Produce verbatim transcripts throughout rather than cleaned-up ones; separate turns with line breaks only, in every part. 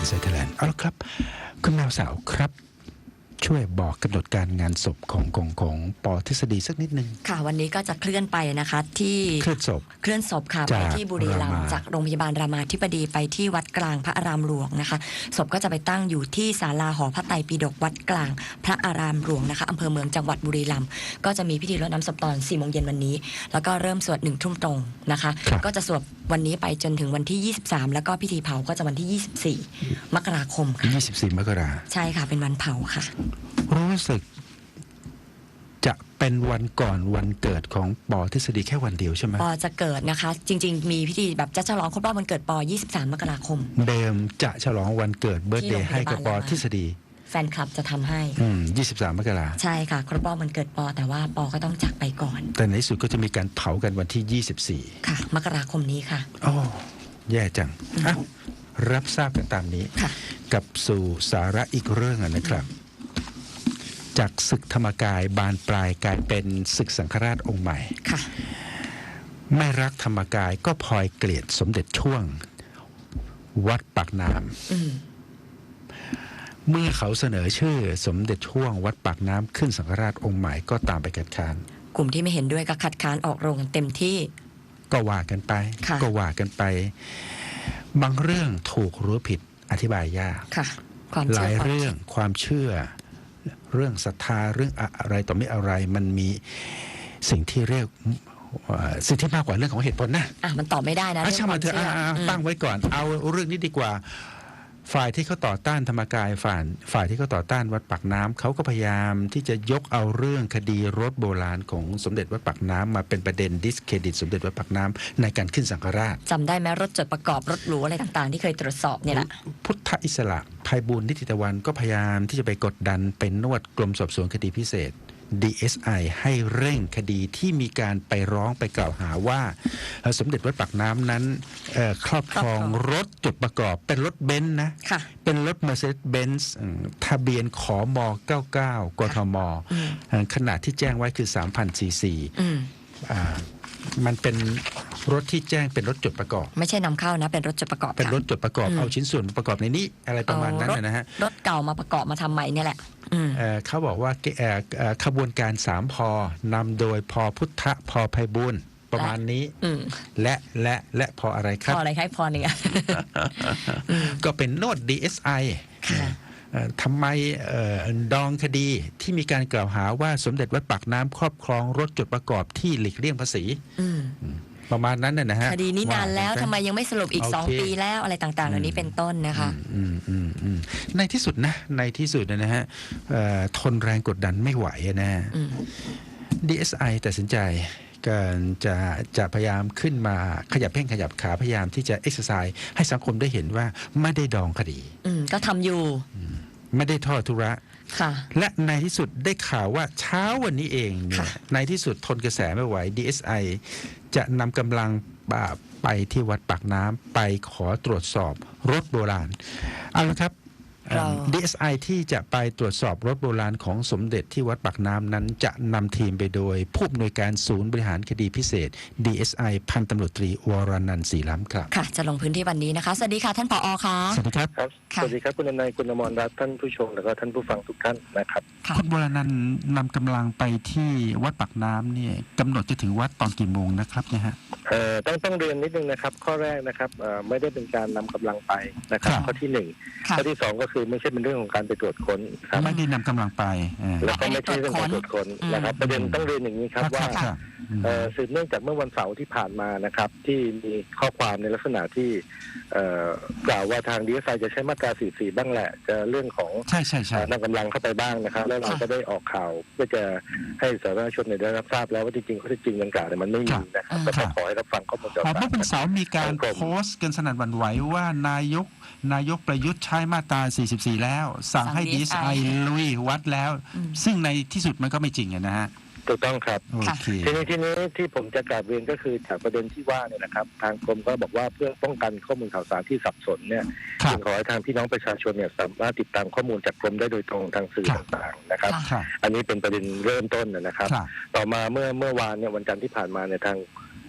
อินไซต์ไทยแลนด์เอาละครับคุณแมวสาวครับช่วยบอกกำหนดการงานศพของของของปอทฤษฎีสักนิดนึง
ค่ะวันนี้ก็จะเคลื่อนไปนะคะที่
เคลื่อนศพ
เคลื่อนศพค่ะไปที่บุรีรัมย์จากโรงพยาบาลรามาธิบดีไปที่วัดกลางพระอารามหลวงนะคะศพก็จะไปตั้งอยู่ที่ศาลาหอพระไตรปิฎกวัดกลางพระอารามหลวงนะคะอำเภอเมืองจังหวัดบุรีรัมย์ก็จะมีพิธีรดน้ำศพตอนสี่โมงเย็นวันนี้แล้วก็เริ่มสวดหนึ่งทุ่มตรงนะคะก็จะสวดวันนี้ไปจนถึงวันที่ยี่สิบสามแล้วก็พิธีเผาก็จะวันที่ยี่สิบสี่มกราคมค่ะ
ยี่สิบสี่มกรา
ใช่ค่ะเป็นวันเผาค่ะ
รู้สึกจะเป็นวันก่อนวันเกิดของปอทฤษฎีแค่วันเดียวใช่ไหม
ปอจะเกิดนะคะจริงๆมีพิธีแบบจะฉลองครบรอบวันเกิดปอยี่สิบสามมกราคม
เดิมจะฉลองวันเกิดเบิร์ธเดย์ให้กับปอทฤษฎี
แฟนคลับจะทำให้
อืมยี่สิบสามมกรา
ใช่ค่ะครบรอบวันเกิดปอแต่ว่าปอก็ต้องจากไปก่อน
แต่ในที่สุดก็จะมีการเผากันวันที่ยี่สิบสี่
ค่ะมกราคมนี้ค่ะ
โอ้แย่จังอ่ะรับทราบกันตามนี้กับสู่สาระอีกเรื่องนะครับจากศึกธรรมกายบานปลายกลายเป็นศึกสังฆราชองค์ใหม่
ค่ะ
ไม่รักธรรมกายก็พลอยเกลียดสมเด็จช่วงวัดปากน้ำเมื่อเขาเสนอชื่อสมเด็จช่วงวัดปากน้ำขึ้นสังฆราชองค์ใหม่ก็ตามไปคัดค้าน
กลุ่มที่ไม่เห็นด้วยก็คัดค้านออกโรงกันเต็มที่
ก็ว่ากันไปก็ว่ากันไปบางเรื่องถูกหรือผิดอธิบายยากหลายเรื่องความเชื่อเรื่องศรัทธาเรื่องอะไรต่อไม่อะไรมันมีสิ่งที่เรียกสิ่งที่มากกว่าเรื่องของเหตุผลนะ
อ่ะมันตอบไม่ได้นะ
เรื่องความเชื่อตั้งไว้ก่อนเอาเรื่องนี้ดีกว่าฝ่ายที่เขาต่อต้านธรรมกายฝ่ายฝ่ายที่เขาต่อต้านวัดปากน้ำเขาก็พยายามที่จะยกเอาเรื่องคดีรถโบราณของสมเด็จวัดปากน้ำมาเป็นประเด็นดิสเครดิตสมเด็จวัดปากน้ำในการขึ้นสังฆราช
จำได้ไหมรถจดประกอบรถหรูอะไรต่างๆที่เคยตรวจสอบเนี่ยแหละ
พุทธอิสระไพบูลย์นิติตะวันก็พยายามที่จะไปกดดันเป็นนวดกรมสอบสวนคดีพิเศษ ดี เอส ไอ ให้เร่งคดีที่มีการไปร้องไปกล่าวหาว่าสมเด็จวัดปากน้ำนั้นครอบครองรถจดประกอบเป็นรถเบนซ์นะเป็นรถ Mercedes-Benz ทะเบียนขอมเก้าสิบเก้ากทมขนาดที่แจ้งไว้คือ สามพัน ซี ซีมันเป็นรถที่แจ้งเป็นรถจดประกอบ
ไม่ใช่นำเข้านะเป็นรถจดประกอบ
เป็นรถจดประกอบเอาชิ้นส่วนประกอบในนี้อะไรประมาณนั้นนะฮะ
รถเก่ามาประกอบมาทำใหม่เนี่ยแหละ
เขาบอกว่าขบวนการสามพอนำโดยพอพุทธพอไพบูลย์ประมาณนี้และและและพออะไรครับ
พออะไรครับพอหนึ่ง
ก็เป็นโน้ต ดี เอส ไอ ทำไมดองคดีที่มีการกล่าวหาว่าสมเด็จวัดปากน้ำครอบครองรถจดประกอบที่หลีกเลี่ยงภาษีประมาณนั้นนะฮะ
คดีนี้นานแล้วทำไมยังไม่สรุปอีกสองปีแล้วอะไรต่างๆเหล่านี้เป็นต้นนะคะ
ในที่สุดนะในที่สุดนะฮะทนแรงกดดันไม่ไหวนะ ดี เอส ไอ ตัดสินใจการจะจะพยายามขึ้นมาขยับแข้งขยับขาพยายามที่จะเอ็กซ์ไซส์ให้สังคมได้เห็นว่าไม่ได้ดองคดี
ก็ทำอยู่
ไม่ได้ทอดทุระและในที่สุดได้ข่าวว่าเช้าวันนี้เองในที่สุดทนกระแสไม่ไหว ดี เอส ไอ จะนำกำลังไปที่วัดปากน้ำไปขอตรวจสอบรถโบราณเอาละครับ ดี เอส ไอ ที่จะไปตรวจสอบรถโบราณของสมเด็จที่วัดปากน้ำนั้นจะนำทีมไปโดยผู้อำนวยการศูนย์บริหารคดีพิเศษ ดี เอส ไอ พันตำรวจตรีวรนันท์ศรีล้ำครับ
ค่ะจะลงพื้นที่วันนี้นะคะสวัสดีค่ะท่านผอ.ค่ะ
สวัสดีครับ
สวัสดีครับคุณนายคุณอมรรัตน์ท่านผู้ชมแล้วก็ท่านผู้ฟังทุกท่านนะครับ
คุณวรนันท์นำกำลังไปที่วัดปากน้ำเนี่ยกำหนดจะถึงวัดตอนกี่โมงนะครับเนี่ยฮะ
เอ่อต้องต้องเรียนนิดนึงนะครับข้อแรกนะครับเอ่อไม่ได้เป็นการนำกำลังไปนะครับข้อที่หนึ่งข้อที่สองก็คือไม่ใช่เป็นเรื่องของการไปตรวจค้นครับ
ไม่ได้นำกำลังไป
แล้วก็ไม่ใช่เรื่องการตรวจค้นนะครับประเด็นต้องเรียนอย่างนี้ครับว่าสืบเนื่องจากเมื่อวันเสาร์ที่ผ่านมานะครับที่มีข้อความในลักษณะที่กล่าวว่าทาง ดี เอส ไอ จะใช้มาตราสี่สิบสี่บ้างแหละจะเรื่องของนำกำลังเข้าไปบ้างนะครับแล้วเราก็ได้ออกข่าวเพื่อจะให้สาธารณชนได้รับทราบแล้วว่าจริงๆข้อเท็จจริงดังกล่าวเนี่ยมันไม่มีนะครับก็ขอให้รับฟังข้อมูลจาก
เมื่อวันเสาร์มีการโพสต์กันสนั่นหวั่นไหวว่านายกนายกประยุทธ์ใช้มาตราสี่สิบสี่แล้วสั่งให้ ดี เอส ไอ ลุยวัดแล้วซึ่งในที่สุดมันก็ไม่จริงนะฮะ
ถูกต้องครับทีนี้ทีนี้ที่ผมจะกราบเรียนก็คือจากประเด็นที่ว่าเนี่ยนะครับทางกรมก็บอกว่าเพื่อป้องกันข้อมูลข่าวสารที่สับสนเนี่ยจึงขอให้ทางพี่น้องประชาชนเนี่ยสามารถติดตามข้อมูลจากกรมได้โดยตรงทางสื่อต่างๆนะครับอันนี้เป็นประเด็นเริ่มต้นนะครับต่อมาเมื่อเมื่อวานเนี่ยวันจันทร์ที่ผ่านมาเนี่ยทาง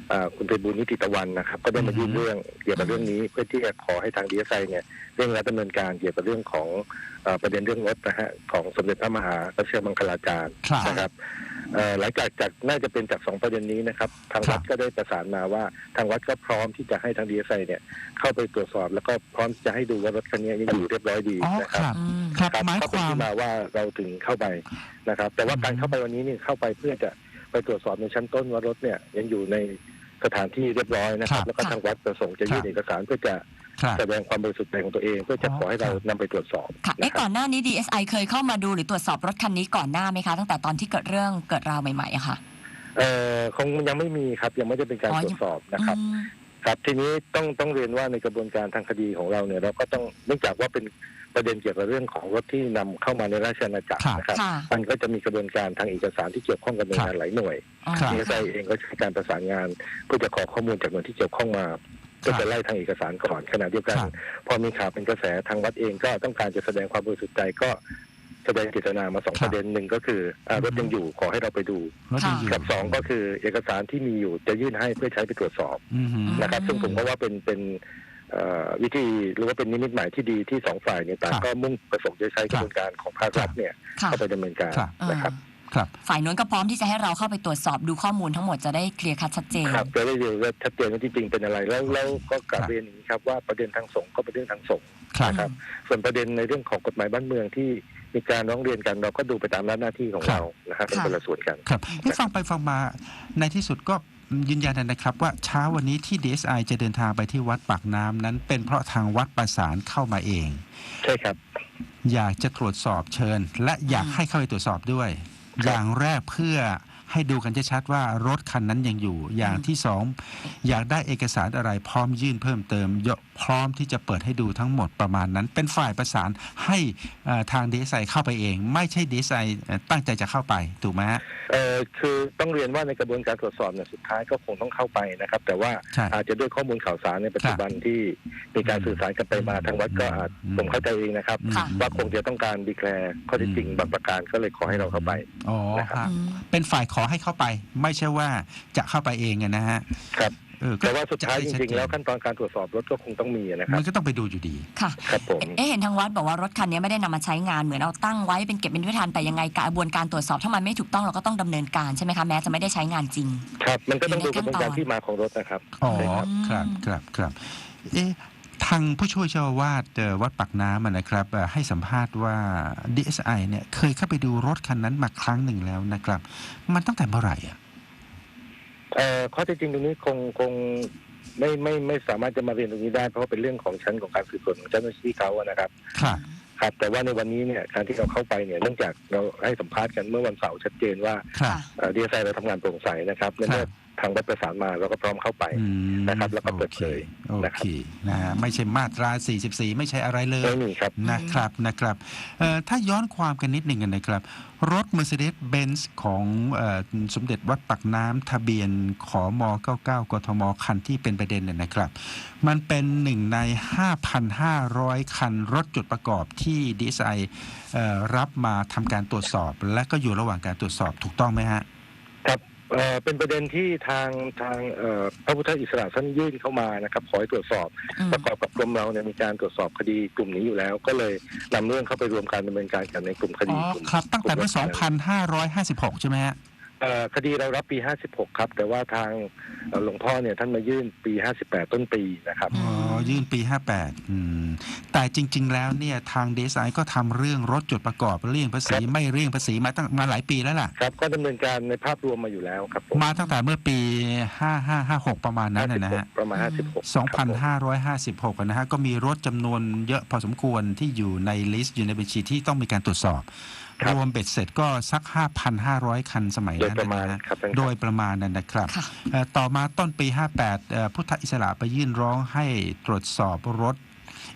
อ่าคุณไพบูลย์นิติตะวันนะครับก็ได้มายื่นเรื่องเกี่ยวกับเรื่องนี้เพื่อที่จะขอให้ทาง ดี เอส ไอ เนี่ยเร่งรัดดำเนินการเกี่ยวกับเรื่องของเอ่อประเด็นเรื่องรถนะฮะของสมเด็จพระมหาวชิรมังคลาจารย์
ครับ
นะครับเอ่อหลังจากจากน่าจะเป็นจากสองประเด็นนี้นะครับทาง
ครั
วั
บ
ดก็ได้ประสานมาว่าทางวัดก็พร้อมที่จะให้ทาง ดี เอส ไอ เนี่ยเข้าไปตรวจสอบ แล้วก็พร้อมจะให้ดูว่ารถคันนี้ยังอยู่เรียบร้อยดี
อ๋อ
นะ
ค
ครับ
รับ
อืม
ครับ
ครับ
หมาย
ก็
ค
เป็น
วาม
ที่มาว่าเราถึงเข้าไปนะครับ แต่ว่าการเข้าไปวันนี้เนี่ยเข้าไปเพื่อจะไปตรวจสอบในชั้นต้นว่ารถเนี่ยยังอยู่ในสถานที่เรียบร้อยนะครับ แล้วก็ทางวัดประสงค์จะยื่นเอกสารเพื่อจะ
ครับ
แสดงความบริสุทธิ์ใจของตัวเอง เพื่อจะขอให้เรานำไปตรวจสอบ
ค่ะ
นะ
เอ๊ะ
ค
ก่
รั
อบ นหน้านี้ ดี เอส ไอ เคยเข้ามาดูหรือตรวจสอบรถคันนี้ก่อนหน้าไหมคะ ตั้งแต่ตอนที่เกิดเรื่องเกิดราวใหม่ๆอะค่ะ
เอ่อคงยังไม่มีครับยังไม่ได้เป็นการ
อ๋อ
ตรวจสอบนะครับ
อืม
ครับทีนี้ต้องต้องเรียนว่าในกระบวนการทางคดีของเราเนี่ยเราก็ต้องเนื่องจากว่าเป็นประเด็นเกี่ยวกับเรื่องของรถที่นำเข้ามาในราชอาณาจักร
ครับ
นะครับ
ค่ะ
มันก็จะมีกระบวนการทางเอกสารที่เกี่ยวข้องกับหน่วยงานหลายหน่วย
อ๋อ
ครับ
ดี เอส ไอ เองก็ใช้การประสานงานเพื่อจะขอข้อมูลจากหน่วยที่เกี่ยวข้องมาก็จะไล่ทางเอกสารก่อนขณะเดียวกัน
ครับ
พอมีข่าวเป็นกระแสทางวัดเองก็ต้องการจะแสดงความบริสุทธิ์ใจก็แสดงเจตนามาสอง
ครับ
ประเด็นหนึ่งก็คืออ่ารถยังอยู่ขอให้เราไปดู
รถยังอยู่
กับสองก็คือเอกสารที่มีอยู่จะยื่นให้เพื่อใช้ไปตรวจสอบ
อือหือ
นะครับซึ่งผมก็ว่าเป็นเป็นเอ่อวิธีหรือว่าเป็นนิมิตหมายที่ดีที่สองฝ่ายเนี่ยต่าง
ครับ
ก็มุ่งประสงค์จะใช้กระบวนการของภาครัฐเนี่ย
ค่ะ
เข้าไปดำเนินการ
ครับ
นะครับ
ครับ
ฝ่ายนู้นก็พร้อมที่จะให้เราเข้าไปตรวจสอบดูข้อมูลทั้งหมดจะได้เคลียร์คัดชัดเจน
ครับจะได้ดูว่าชัดเจนว่าจริงๆเป็นอะไรแล้วแล้วก็กลับ
ครับ
เรียนอย่างนี้ครับว่าประเด็นทางสงฆ์ก็เป็นเรื่องทางสงฆ์
ครับ
นะครับส่วนประเด็นในเรื่องของกฎหมายบ้านเมืองที่มีการร้องเรียนกันเราก็ดูไปตามหน้าที่ของ
ครับ
เรานะครับเป็น
ค่ะ
คนละส่วนกัน
ครับที่ฟังไปฟังมาในที่สุดก็ยืนยันนะครับว่าเช้าวันนี้ที่ ดี เอส ไอ จะเดินทางไปที่วัดปากน้ำนั้นเป็นเพราะทางวัดประสานเข้ามาเอง
ใช่ครับ
อยากจะตรวจสอบเชิญ และอยาก
อืม
ให้เข้าไปตรวจสอบด้วย
ครับ
อย่างแรกเพื่อให้ดูกันชัดๆว่ารถคันนั้นยังอยู่ อย่างที่สองอยากได้เอกสารอะไรพร้อมยื่นเพิ่มเติมยพร้อมที่จะเปิดให้ดูทั้งหมดประมาณนั้น เป็นฝ่ายประสานให้เอ่อทาง ดี เอส ไอ เข้าไปเอง ไม่ใช่ ดี เอส ไอ เอ่อตั้งใจจะเข้าไปถูกไหมฮะ
เอ่อคือต้องเรียนว่าในกระบวนการตรวจสอบเนี่ยสุดท้ายก็คงต้องเข้าไปนะครับ แต่ว่า
ใช่
อาจจะด้วยข้อมูลข่าวสารในปัจจุบันที่มีการสื่อสารกันไปมาทางวัดก็อาจ
อืม
ผมเข้าใจเองนะครับ
อืม
ค่ะ
ว่าคงจะต้องการดีแคลร์ข้อเท็จจริงบางประการก็เลยขอให้เราเข้าไป
อ๋อ
นะครับ
ฮะ
อืม
เป็นฝ่ายขอให้เข้าไป ไม่ใช่ว่าจะเข้าไปเองอะนะฮะ
ครับ
เออก็
แต่ว่าสุดท้ายจ
จะให้ชั
ริง
เน
ๆ แล้วขั้นตอนการตรวจสอบรถก็คงต้องมีนะครั
มั
บ
นก็ต้องไปดูอยู่ดี
ค่ะ
ครับผม
เอ๊ะเห็นทางวัดบอกว่ารถคันนี้ไม่ได้นำมาใช้งานเหมือนเอาตั้งไว้เป็นเก็บเป็นวิธานแต่ยังไงกระบวนการตรวจสอบถ้ามันไม่ถูกต้องเราก็ต้องดำเนินการใช่ไหมคะแม้จะไม่ได้ใช้งานจริง
ครับ มันก็ต้องดู
อยู่
ก
ใน
ระบวนการ
ขั้นตอน
ที่มาของรถนะครับ
อ๋อ
ใช่ครับ
ครับครับครับเอ๊ะทางผู้ช่วยเจ้าอาวาสเอ่อวัดปากน้ำอะนะครับเอ่อให้สัมภาษณ์ว่า ดี เอส ไอ เนี่ยเคยเข้าไปดูรถคันนั้นมาครั้งหนึ่งแล้วนะครับ มันตั้งแต่เมื่อไหร่อ่ะ
เอ่อข้อเท็จจริงตรงนี้คงคงไม่ไม่ไม่สามารถจะมาเรียนตรงนี้ได้เพราะว่าเป็นเรื่องของชั้นของการสืบสวนของเจ้าหน้าที่เขาอะนะครับ
ครับ
ครับ แต่ว่าในวันนี้เนี่ยการที่เราเข้าไปเนี่ยเนื่องจากเราให้สัมภาษณ์กันเมื่อวันเสาร์ชัดเจนว่า
ครับ
ดีเอสไอเราทำงานโปร่งใสนะครับและเมื่อทางวัดประสานมาเราก็พร้อมเข้าไป
อืม
นะครับแล้วก็เปิดเผย
โอ
นะค
เครับ นะฮะไม่ใช่มาตรา สี่สิบสี่ ไม่ใช่อะไรเลย
ไม่มีครับ
นะครับนะครับเอ่อถ้าย้อนความกันนิดหนึ่งกันนะครับ รถ Mercedes-Benz ของเอ่อสมเด็จวัดปากน้ำทะเบียนขอมเก้าสิบเก้ากทมคันที่เป็นประเด็นเนี่ยนะครับ มันเป็นหนึ่งใน ห้าพันห้าร้อย คันรถจุดประกอบที่ ดี เอส ไอ เอ่อรับมาทำการตรวจสอบ และก็อยู่ระหว่างการตรวจสอบถูกต้องไหมฮะ
ครับเอ่อเป็นประเด็นที่ทางทางเอ่อพระพุทธอิสระท่านยื่นเข้ามานะครับขอให้ตรวจสอบ
อืม
ประกอบกับกรมเราเนี่ยมีการตรวจสอบคดีกลุ่มนี้อยู่แล้ว ก็เลยนำเรื่องเข้าไปรวมการดำเนินการกันในกลุ่มค
อ๋
ดี
อก
ลุ่ม
ครับ ตั้งแต่เมื่อ
กลุ่
สองพันห้าร้อยห้าสิบหก ใช่ไหมฮะ
เอ่อคดีเรารับปีห้าสิบหกครับแต่ว่าทางเอ่อหลวงพ่อเนี่ยท่านมายื่นปีห้าสิบแปดต้นปีนะครับ
อ๋อ ยื่นปี ห้าสิบแปดอืมแต่จริง ๆ แล้วเนี่ยทาง ดี เอส ไอ ก็ทำเรื่องรถจดประกอบเลี่ยงภาษี
ครับ
ไม่เลี่ยงภาษีมาตั้งมาหลายปีแล้วล่ะ
ครับก็ดำเนินการในภาพรวมมาอยู่แล้วครับผม
มาตั้งแต่เมื่อปี ห้าห้าห้าหก ประมาณนั้นนะนะฮะ
ประมาณห้าสิบหก
สองพันห้าร้อยห้าสิบหก นะฮะ ก็มีรถจำนวนเยอะพอสมควรที่อยู่ในลิสต์อยู่ในบัญชีที่ต้องมีการตรวจสอบ รวมเบ็ดเสร็จก็สัก ห้าพันห้าร้อย คันสมัย
โดย
นั้น
ประมาณ
นะฮะ
ครับท่านครับ
โดยประมาณนั้นนะครับ
ค่ะ
เอ่อต่อมาต้นปี ห้าสิบแปดเอ่อพุทธอิสระไปยื่นร้องให้ตรวจสอบรถ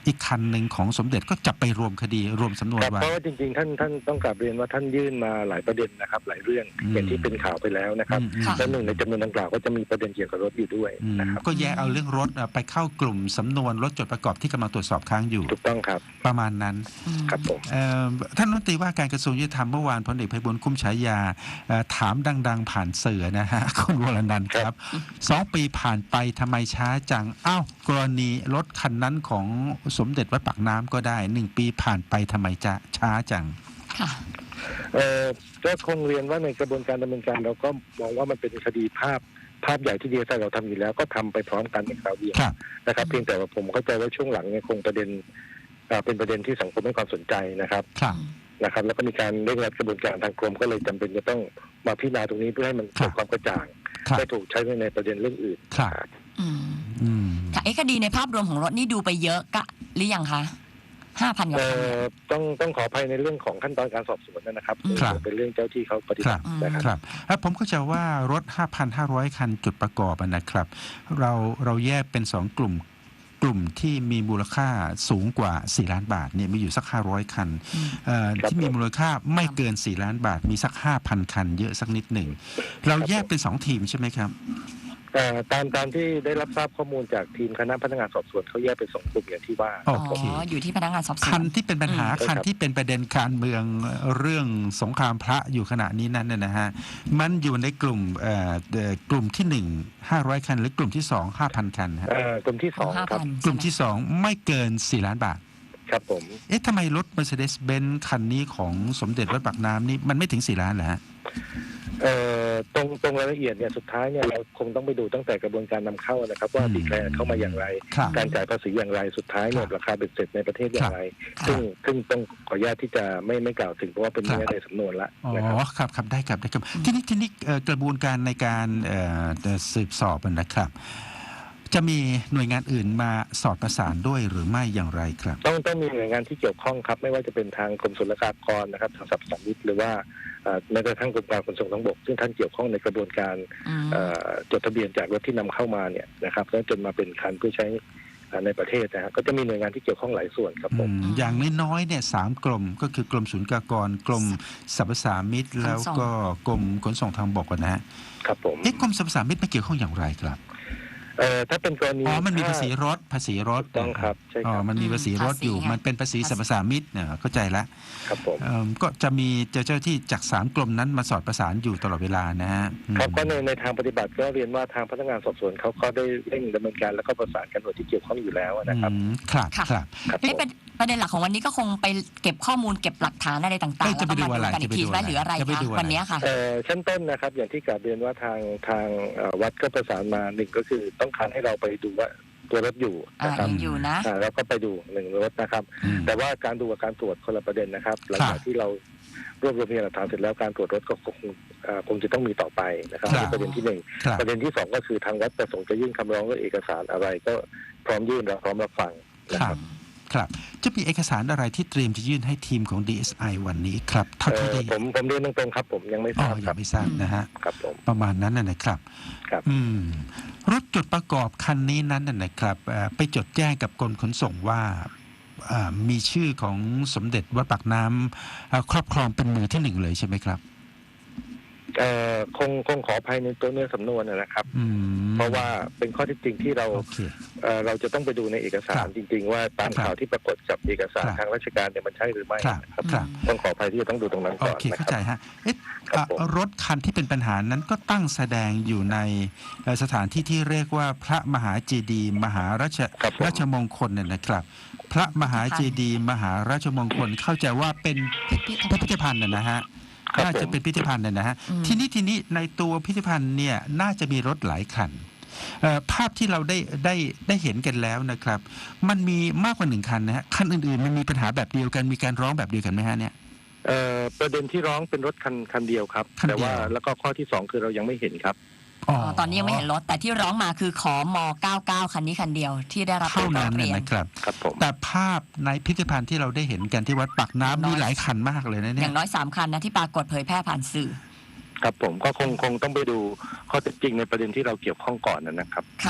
อีกคันหนึ่งของสมเด็จก็จะไปรวมคดีรวมสำนวน
ครับ
ไว้
เพราะว่าจริงๆท่านท่านต้องกราบเรียนว่าท่านยื่นมาหลายประเด็นนะครับ หลายเรื่อง
อืม
อย่างที่เป็นข่าวไปแล้วนะครับ
อืมอืม
และหนึ่งในจำนวนดังกล่าวก็จะมีประเด็นเกี่ยวกับรถอยู่ด้วย
อืม
นะครับ
ก็แยกเอาเรื่องรถไปเข้ากลุ่มสำนวนรถจดประกอบที่กำลังตรวจสอบค้างอยู่
ถูกต้องครับ
ประมาณนั้น
อืม
ครับผม
เอ่อท่านรัฐมนตรีว่าการกระทรวงยุติธรรมเมื่อวานพลเอกไพบูลย์คุ้มฉายาเอ่อถามดัง ๆ ผ่านสื่อนะฮะ คุณวรนันท์ครับสองปีผ่านไปทำไมช้าจังอ้าวกรณีรถคันนั้นของสมเด็จวัดปากน้ำก็ได้หนึ่งปีผ่านไปทำไมจะช้าจัง
ค่ะ
เอ่อก็คงเรียนว่าในกระบวนการดำเนินการเราก็มองว่ามันเป็นคดีภาพภาพใหญ่ที่ดีไซน์เราทำอยู่แล้วก็ทำไปพร้อมกันในคราวเดียว
ครับ
นะครับ เพียงแต่ว่าผมเข้าใจว่าช่วงหลังเนี่ยคงประเด็นเอ่อเป็นประเด็นที่สังคมให้ความสนใจนะครับ
ครับ
นะครับ แล้วก็มีการเร่งรัดกระบวนการทางกรมก็เลยจำเป็นจะต้องมาพิจารณาตรงนี้เพื่อให้มัน
ครั
เกิ
บ
ดความกระจ่าง
ครับ
ไม่ถูกใช้ในประเด็นเรื่องอื่น
ครับ
อืม
อืม
ค่ะเอ๊ะคดีในภาพรวมของรถนี่ดูไปเยอะกะหรือยังคะห้าพันกว่า
เอ่
คัน
อต้องต้องขออภัยในเรื่องของขั้นตอนการสอบสวนนะครับ
ครับ
เป็นเรื่องเจ้าที่เขาปฏิบัตินะครับ
ครับเอ่อผมเข้าใจว่ารถ ห้าพันห้าร้อย คันจุดประกอบอะนะครับ เราเราแยกเป็นสองกลุ่ม กลุ่มที่มีมูลค่าสูงกว่าสี่ล้านบาทเนี่ยมีอยู่สักห้าร้อยคัน
อืม
เอ่อ
ครับ
ที่มีมูลค่าไม่เกินสี่ล้านบาทมีสัก ห้าพัน คัน เยอะสักนิดหนึ่งเราแยกเป็นสองทีมใช่ไหมครับ
เอ่อตามตามที่ได้รับทราบข้อมูลจากทีมคณะพนักงานสอบสวนเขาแยกเป็นสองกลุ่มอย่างที่ว่า
โอ
อ๋อ
เค
อยู่ที่พนักงานสอบสว
คั
น
นที่เป็นปัญหา
อืม
คัน
ครับ
ที่เป็นประเด็นการเมืองเรื่องสงครามพระอยู่ขณะนี้นั้นเนยนะฮะมันอยู่ในกลุ่มเอ่อเอ่อกลุ่มที่หนึ่งห้าร้อยคัน หรือกลุ่มที่สองห้าพันคันฮะ
เอ่อกลุ่มที่สอง
ห้า
ครับ
พัน
กลุ่มที่สองไม่เกินสี่ล้านบาท
ครับผม
เอ๊ะทำไมรถ Mercedes-Benz คันนี้ของสมเด็จวัดปากน้ำนี่มันไม่ถึงสี่ล้านเหรอฮะ
เอ่อตรงตรงรายละเอียดเนี่ยสุดท้ายเนี่ยเราคงต้องไปดูตั้งแต่กระบวนการนำเข้านะครับ ว่า
อืม
ดีแคลร์เข้ามาอย่างไร
ครับ
การจ่ายภาษีอย่างไรสุดท้ายเนี่ย
ครับ
ราคาเบ็ดเสร็จในประเทศอย่างไร
ครับ
ซึ่งซึ่งต้องขออนุญาตที่จะไม่ไม่กล่าวถึงเพราะว่าเป็น
ครับ
เนื้อในสำนวนละ
อ๋อ
นะครับ
ครับครับได้ครับได้ครับทีนี้ทีนี้เอ่อกระบวนการในการเอ่อเอ่อสืบสอบนะครับ จะมีหน่วยงานอื่นมาสอดประสานด้วยหรือไม่อย่างไรครับ
ต้องต้องมีหน่วยงานที่เกี่ยวข้องครับ ไม่ว่าจะเป็นทางกรมศุลกากรนะครับทางสรรพสามิตหรือว่าเอ่อแม้กระทั่งกรมการขนส่งทางบก ซึ่งท่านเกี่ยวข้องในกระบวนการ
อืม
เอ่อจดทะเบียนจากรถที่นำเข้ามาเนี่ยนะครับแล้วจนมาเป็นคันเพื่อใช้เอ่อในประเทศนะฮะก็จะมีหน่วยงานที่เกี่ยวข้องหลายส่วนครับผม
อืมอย่างน้อยๆเนี่ยสามกรมก็คือกรมศุลกากรกรมสรรพสามิตแล้วก็กรมขนส่งทางบกอะนะฮะ
ครับผม
เอ๊ะกรมสรรพสามิตไม่เกี่ยวข้องอย่างไรครับ
เอ่อถ้าเป็นกรณี
อ๋อมันมี
ถ้
ภาษีรถภาษีรถ
ถูกต้องครับใช่
อ๋
ค
อ
รับ
มันมีภาษีรถอยู่
ภาษีไง
มันเป็นภาษีสรรพสามิตเนี่ยเข้าใจละ
ครับผม
เอิ่มก็จะมีเจ้าเจ้าที่จากสามกรมนั้นมาสอดประสานอยู่ตลอดเวลานะฮะอืม
ครับก็ในในทางปฏิบัติก็เรียนว่าทางพนักงานสอบสวนเขาก็ได้เร่งดำเนินการแล้วก็ประสานกันหน่วยที่เกี่ยวข้องอยู่แล้วนะครับ
อืมครับ
ค่ะ
ครับ
ครับผ
เอ๊ะ
ม
เป็นประเด็นหลักของวันนี้ก็คงไปเก็บข้อมูลเก็บหลักฐานอะไรต่างๆ
เอ้ย
แล้ว
จะไป
ก็
ดู
มา
อะไร
ดูกันอีกที
จะไปดู
ว่าหรืออะไร
จะไป
คะ
ดูอะไร
วันนี้ค่ะ
เอ่อชั้นต้นนะครับอย่างที่กราบเรียนว่าทางทางเอ่อวัดก็ประสานมาหนึ่งก็คือต้องการให้เราไปดูว่าตัวรถอยู่
อ่า
นะครับ
ยังอยู่นะ
อ่าแล้วก็ไปดูหนึ่งรถนะครับ
อืม
แต่ว่าการดูกับการตรวจคนละประเด็นนะครับหลังจากที่เรารวบรวมพยานหลักฐานเสร็จแล้วการตรวจรถก็คงเอ่อคงจะต้องมีต่อไปนะครับ
ครับ
นี่ประเด็นที่หนึ่ง
ครับ
ประเด็นที่สองก็คือทางวัดประสงค์จะยื่นคำร้องหรือเอกสารอะไรก็พร้อมยื่นเราพร้อมรับฟังนะ
ค
ค
รั
รั
บบ ครับจะมีเอกสารอะไรที่เตรียมจะยื่นให้ทีมของ ดี เอส ไอ วันนี้ครับเท่า
เอ่
ที่
อ
ได้
ผมผมเรียนตรงๆครับ ผมยังไม่ท
อ๋อ
ราบค
ยั
รับ
งไม่ทราบนะฮะ
ครับผม
ประมาณนั้นน่ะนะครับ
ครับ
อืมรถจดประกอบคันนี้นั้นน่ะนะครับเอ่อไปจดแจ้งกับกรมขนส่งว่าเอ่อมีชื่อของสมเด็จวัดปากน้ำเอ่อครอบครองเป็นมือที่หนึ่งเลยใช่ไหมครับ
เอ่อคงคงขออภัยในตัวเนื้อสำนวนนะครับ
อืม
เพราะว่าเป็นข้อเท็จจริงที่เรา
โอเค
เอ่อเราจะต้องไปดูในเอกสา
ครั
ร
บ
จริง ๆ ว่าตาม
ครับ
ข่าวที่ปรากฏกับเอกสาร
ครับ
ทางราชการเนี่ยมันใช่หรือไม่
ครับ
นะครับ
ครับ
ต้องขออภัยที่จะต้องดูตรงนั้น
โอ
ก่อน
เค
นะ
เข้า
ค
ใจ
รับ
ฮะเอ๊ะ
ครับผม
อ่ะรถคันที่เป็นปัญหานั้นก็ตั้งแสดงอยู่ในเอ่อสถานที่ที่เรียกว่าพระมหาเจดีย์มหาราช
ครับผม
ราชมงคลเนี่ยนะครับ พระมหาเจดีย์มหาราชมงคลเข้าใจว่าเป็นพิพิธภัณฑ์น่ะนะฮะ
ครับ
น่าจะ
ผม
เป็นพิพิธภัณฑ์น่ะนะฮะ
อืม
ทีนี้ทีนี้ในตัวพิพิธภัณฑ์เนี่ยน่าจะมีรถหลายคันเอ่อภาพที่เราได้ได้ได้เห็นกันแล้วนะครับ มันมีมากกว่าหนึ่งคันนะฮะคันอื่นๆมันมีปัญหาแบบเดียวกันมีการร้องแบบเดียวกันไหมฮะเนี่ย
เอ่อประเด็นที่ร้องเป็นรถคันคันเดียวครับ
คันเดียว
แต่ว่าแล้วก็ข้อที่สองคือเรายังไม่เห็นครับ
อ๋อตอนนี้ยังไม่เห็นรถแต่ที่ร้องมาคือขอมเก้าเก้าคันนี้คันเดียวที่ได้รับ
เท่า
ร้
นั้
อน ง
น่ะ
เรียน
นะครับ
ครับผม
แต่ภาพในพิพิธภัณฑ์ที่เราได้เห็นกันที่วัดปากน้ำมีหลายคันมากเลยนะ
อ
เนี่ย
ย่างน้อยสามคันนะที่ปรากฏเผยแพร่ผ่านสื่อ
ครับผมก็คงคงต้องไปดูข้อเท็จจริงในประเด็นที่เราเกี่ยวข้องก่อนนะครับ
ครับ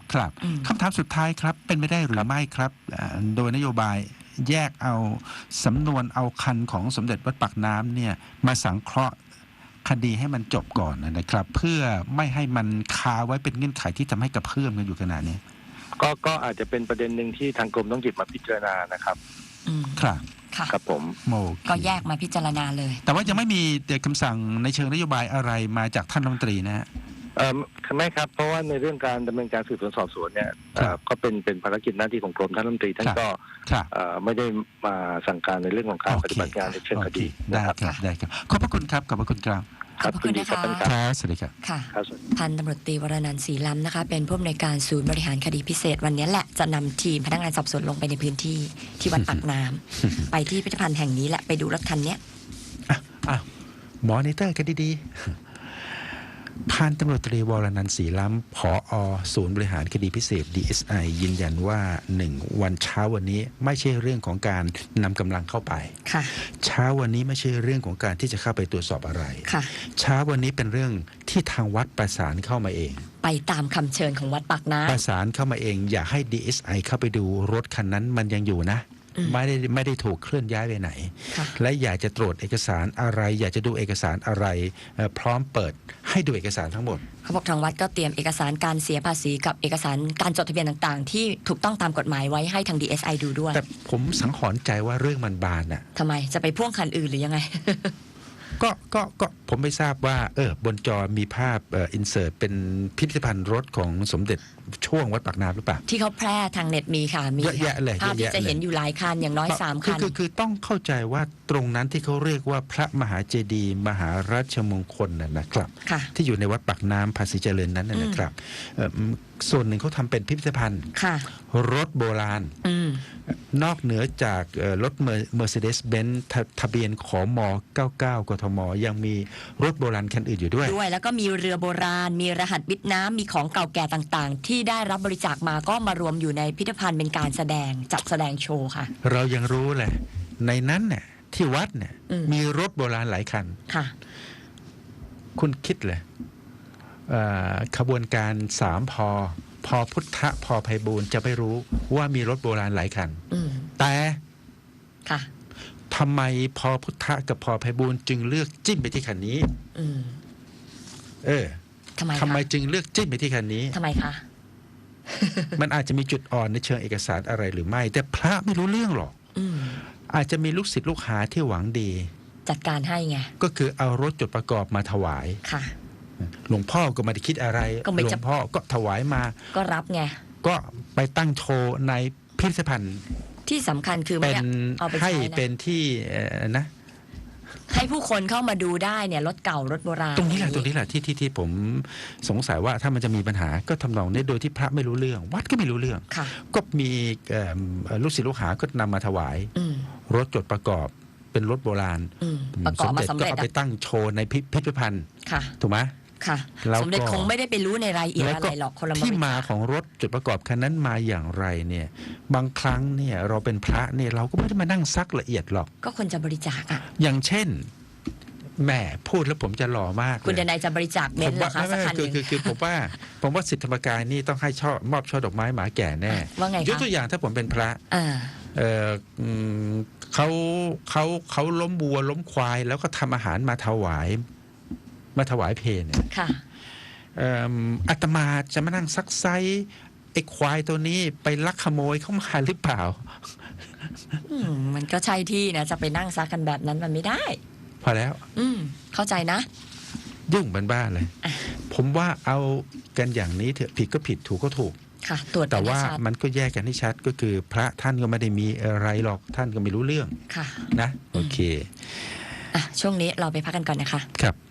ครับ
อืม
คำถามสุดท้ายครับเป็นไปได้หรือไม่ครับอ่าโดยนโยบายแยกเอาสำนวนเอาคันของสมเด็จวัดปากน้ำเนี่ยมาสังเคราะห์คดีให้มันจบก่อนนะครับ เพื่อไม่ให้มันคาไว้เป็นเงื่อนไขที่ทำให้กระเพื่อมกันอยู่ขนาดนี้
ก็ก็อาจจะเป็นประเด็นหนึ่งที่ทางกรมต้องหยิบมาพิจารณานะครับ
อืม
ครับ
ค่ะ
ครับผม
โอเค
ก็แยกมาพิจารณาเลย
แต่ว่ายังไม่มีคำสั่งในเชิงนโยบายอะไรมาจากท่านรัฐมนตรีนะฮะ
เออไม่ครับเพราะว่าในเรื่องการดำเนินการสืบสวนสอบสวนเนี่ย
ครับ
เอ่อก็เป็นเป็นภารกิจหน้าที่ของกรมท่านรัฐมนตรีท่าน
ครับ
ก็
ครับ
เอ่อไม่ได้มาสั่งการในเรื่องของการ
โอเค
ปฏิบัติงานในเชิงคดี
โอเคได้
นะครับ
ครับได้ครับขอบพระคุณครับขอบพระคุณครับ
ขอบพระคุณนะคะ
รับ
ครับสวัสดีครับ
ค่ะ
ครับสวัสดี
พันตำรวจตรีวรนันท์ศรีล้ำนะคะ เป็นผู้อำนวยการศูนย์บริหารคดีพิเศษวันนี้แหละจะนำทีมพนักงานสอบสวนลงไปในพื้นที่ที่วัดปากน้ำ ไปที่พิพิธภัณฑ์แห่งนี้แหละไปดูรถคันเนี้ย
อ้าวมอนิเตอร์กันดีๆ พันตำรวจตรีวรนันท์ศรีล้ำผอศูนย์บริหารคดีพิเศษ ดี เอส ไอ ยืนยันว่าหนึ่งวันเช้าวันนี้ไม่ใช่เรื่องของการนำกำลังเข้าไป
ค่ะ
เช้าวันนี้ไม่ใช่เรื่องของการที่จะเข้าไปตรวจสอบอะไร
ค่ะ
เช้าวันนี้เป็นเรื่องที่ทางวัดประสานเข้ามาเอง
ไปตามคำเชิญของวัดปากน้
ประสานเข้ามาเองอยากให้ ดี เอส ไอ เข้าไปดูรถคันนั้นมันยังอยู่นะ
อืม
ไม่ได้ไม่ได้ถูกเคลื่อนย้ายไปไหน
ค่ะ
และอยากจะตรวจเอกสารอะไร อยากจะดูเอกสารอะไรเอ่อพร้อมเปิดให้ดูเอกสารทั้งหมด
เขาบอกทางวัดก็เตรียมเอกสารการเสียภาษีกับเอกสารการจดทะเบียนต่างๆ ที่ถูกต้องตามกฎหมายไว้ให้ทาง ดี เอส ไอ ดูด้วย
แต่ผมสังหรณ์ใจว่าเรื่องมันบานอ่ะ
ทำไมจะไปพ่วงคันอื่นหรือยังไง
ก็ก็ก็ผมไม่ทราบว่าเออบนจอมีภาพเอ่ออินเสิร์ตเป็นพิพิธภัณฑ์รถของสมเด็จช่วงวัดปากน้ำหรือเปล่า
ที่เขาแพร่ทางเน็ตมีค่ะมี
เยอะแยะเลย
ภาพ
เยอะแยะ
ที่จะเห็น
เลย
อยู่หลายคันอย่างน้อยสาม
คือ
คัน
คือคือต้องเข้าใจว่าตรงนั้นที่เขาเรียกว่าพระมหาเจดีย์มหาราชมงคลน่ะนะครับ
ค่ะ
ที่อยู่ในวัดปากน้ำภาษีเจริญนั้นน่ะนะครับเอ่อส่วนหนึ่งเขาทำเป็นพิพิธภัณฑ์
ค่ะ
รถโบราณ
อืม
นอกเหนือจากเอ่อรถเมอร์เซเดสเบนซ์ทะเบียนขอมเก้าสิบเก้ากทม ยังมีรถโบราณคันอื่นอยู่ด้วย
ด้วยแล้วก็มีเรือโบราณ มีรหัสวิทย์น้ำมีของเก่าแก่ต่างๆ ที่ได้รับบริจาคมาก็มารวมอยู่ในพิพิธภัณฑ์เป็นการแสดงจัดแสดงโชว์ค่ะ
เรายังรู้เลยในนั้นเนี่ยที่วัดเนี่ย
อืม
มีรถโบราณหลายคัน
ค่ะ
คุณคิดเลยเอ่อขบวนการสามพอพอพุทธพอไพบูลย์จะไม่รู้ว่ามีรถโบราณหลายคัน
อืม
แต่
ค่ะ
ทำไมพอพุทธกับพอไพบูลย์จึงเลือกจิ้มไปที่คันนี้
อืม
เออ
ทำไม
ทำไม
คะ
จึงเลือกจิ้มไปที่คันนี้
ทำไมคะ
มันอาจจะมีจุดอ่อนในเชิงเอกสารอะไรหรือไม่ แต่พระไม่รู้เรื่องหรอก
อืม
อาจจะมีลูกศิษย์ลูกหาที่หวังดี
จัดการให้ไง
ก็คือเอารถจดประกอบมาถวาย
ค่ะ
หลวงพ่อก็ไม่ได้คิดอะไร
ก็ไม่
หลว
จะ
งพ่อก็ถวายมา
ก็รับไง
ก็ไปตั้งโชว์ในพิพิธภัณฑ์
ที่สำคัญคือไม่
เป็น
ได้เอาไป
ให้
ใช้
เป็
นะ
นที่เอ่อนะ
ให้ผู้คนเข้ามาดูได้เนี่ยรถเก่ารถโบราณ
ตรงนี้แหละ
อย่า
ตรงนี้แหละที่ที่ที่ผมสงสัยว่าถ้ามันจะมีปัญหาก็ทำนองนี้โดยที่พระไม่รู้เรื่อง วัดก็ไม่รู้เรื่อง
ค่ะ
ก็มีเอ่อลูกศิษย์ลูกหาก็นำมาถวาย
อืม
รถจดประกอบเป็นรถโบราณ
อืมประกอบมาสำ
ก็
เร็จ
เอาไป
อะ
ตั้งโชว์ในพิพิธภัณฑ์
ค่ะ
ถูกไหม
ค่ะ
แล้วก็
สมเด็จคงไม่ได้ไปรู้ในรายละเอียด
แล้ว
อะ
ก็
ไรหรอกคนละบ
ที่
ริ
มา
จาค
ของรถจุดประกอบคันนั้นมาอย่างไรเนี่ย บางครั้งเนี่ยเราเป็นพระเนี่ยเราก็ไม่ได้มานั่งซักละเอียดหรอก
ก็คนจะบริจาคอ่ะ
อย่างเช่นแหมพูดแล้วผมจะหล่อมาก
คุณ
เล
เด
ย
นายจะบริจาคเบ
ผ
น
ม
ซ์เหร
ว่า
อคะ
ไม่
สัก
ไม่
คันห
คื
นึ่
อง คือคือผมว่าผมว่าสิทธิธรรมกายนี่ต้องให้ช่อมอบช่อดอกไม้หมาแก่แน่
ว่าไง
ยก
คะ
ตัวอย่างถ้าผมเป็นพระ
อ่า
เอออืมเขาเขาเขาล้มวัวล้มควาย แล้วก็ทำอาหารมาถวาย มาถวายเพลเนี่ย
ค่ะ
เอิ่มอาตมาจะมานั่งซักไซไอ้ควายตัวนี้ไปลักขโมยเข้ามาหรือเปล่า
อืมมันก็ใช่ที่นะจะไปนั่งซักกันแบบนั้นมันไม่ได้
พอแล้ว
อืมเข้าใจนะ
ยุ่งเป็นบ้าเลย
อ่ะ
ผมว่าเอากันอย่างนี้เถอะผิดก็ผิดถูกก็ถูก
ค่ะ ตรวจ
แต่
กันให้
ว่า
ชัด
มันก็แยกกันให้ชัดก็คือ พระท่านก็ไม่ได้มีอะไรหรอกท่านก็ไม่รู้เรื่อง
ค่ะ
นะ โอเค
อ่ะช่วงนี้เราไปพักกันก่อนนะคะ
ครับ